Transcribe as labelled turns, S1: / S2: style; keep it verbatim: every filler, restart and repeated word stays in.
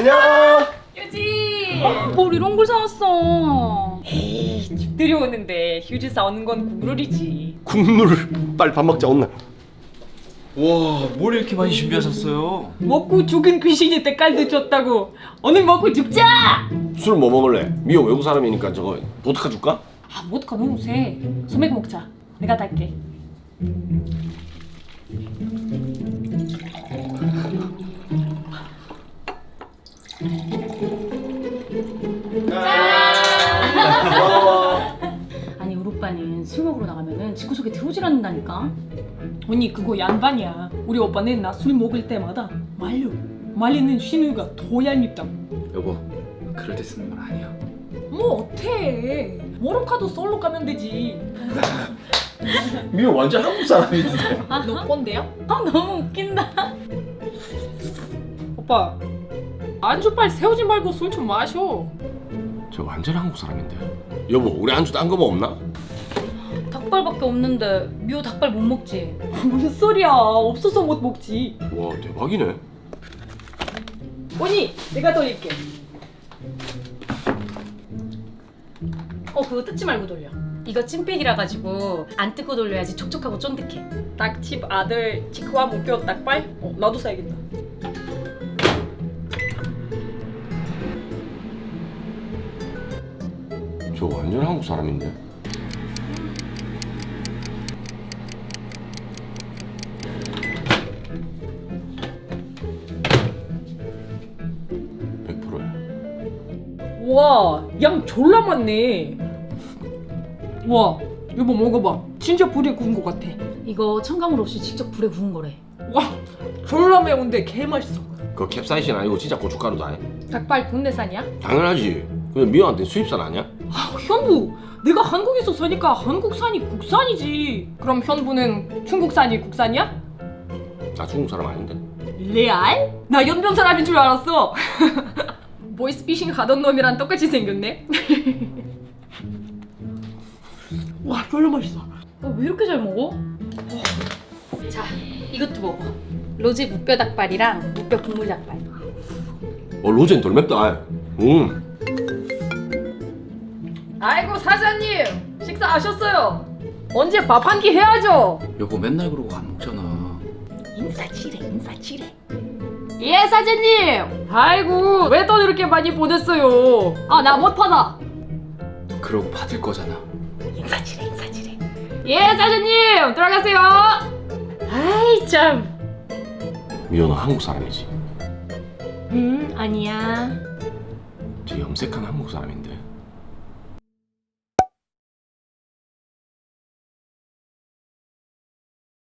S1: 안녕.
S2: 휴지.
S3: 뭘 이런 걸 사왔어?
S2: 에이, 집들이 오는데 휴지 싸우는 건 국룰이지.
S1: 국물. 빨리 밥 먹자 온나.
S4: 와, 뭘 이렇게 많이 준비하셨어요?
S2: 먹고 죽은 귀신이 때깔도 줬다고. 오늘 먹고 죽자.
S1: 술 뭐 먹을래? 미호 외국 사람이니까 저거 보드카 줄까?
S2: 아, 모드카 너무 세. 소맥 먹자. 내가 달게.
S3: 아니 우리 오빠는 술 먹으러 나가면은 집구석에 들어오질 않는다니까.
S2: 언니 그거 양반이야. 우리 오빠는 나 술 먹을 때마다 말려. 말리는 신우가 더 얄밉다.
S4: 여보, 그럴 때 쓰는 말 아니야.
S2: 뭐 어때? 모로카도 솔로 가면 되지.
S1: 미호 완전 한국 사람인데.
S2: 너 꼰대야?
S3: 아 너무 웃긴다.
S2: 오빠 안주빨 세우지 말고 술 좀 마셔.
S1: 저 완전 한국 사람인데. 여보 우리 안주 딴 거 뭐 없나?
S3: 닭발밖에 없는데 미호 닭발 못 먹지?
S2: 뭔 소리야? 없어서 못 먹지.
S1: 와 대박이네.
S2: 언니 내가 돌릴게.
S3: 어 그거 뜯지 말고 돌려. 이거 찐팩이라 가지고 안 뜯고 돌려야지 촉촉하고 쫀득해.
S2: 닭집 아들 치크와 목표 닭발? 어, 나도 사야겠다.
S1: 저 완전 한국 사람인데. 백 퍼센트야.
S2: 와, 양 졸라 많네. 와, 여보 먹어봐. 진짜 불에 구운 것 같아.
S3: 이거 첨가물 없이 직접 불에 구운 거래.
S2: 와, 졸라 매운데 개 맛있어.
S1: 그거 캡사이신 아니고 진짜 고춧가루도 아니야?
S2: 닭발 국내산이야?
S1: 당연하지. 근데 미호한테 수입산 아니야?
S2: 아, 현부. 내가 한국에서 사니까 한국산이 국산이지. 그럼 현부는 중국산이 국산이야?
S1: 나 중국 사람 아닌데.
S2: 레알? 나 연변 사람인 줄 알았어. 보이스피싱 하던 놈이랑 똑같이 생겼네. 와, 졸라 맛있어.
S3: 어, 왜 이렇게 잘 먹어? 자 이것도 먹어. 로제 무뼈 닭발이랑 무뼈 국물 닭발.
S1: 어 로젠 덜 맵다. 음.
S2: 아이고 사장님, 식사하셨어요? 언제 밥 한 끼 해야죠.
S4: 여보 맨날 그러고 안 먹잖아.
S3: 인사치레 인사치레.
S2: 예 사장님. 아이고 왜 돈 이렇게 많이 보냈어요? 아 나 못 받아.
S4: 그러고 받을 거잖아.
S3: 인사치레 인사치레.
S2: 예 사장님 들어가세요. 아이 참.
S1: 미호는 한국 사람이지.
S3: 음 아니야.
S1: 저 염색한 한국 사람인데.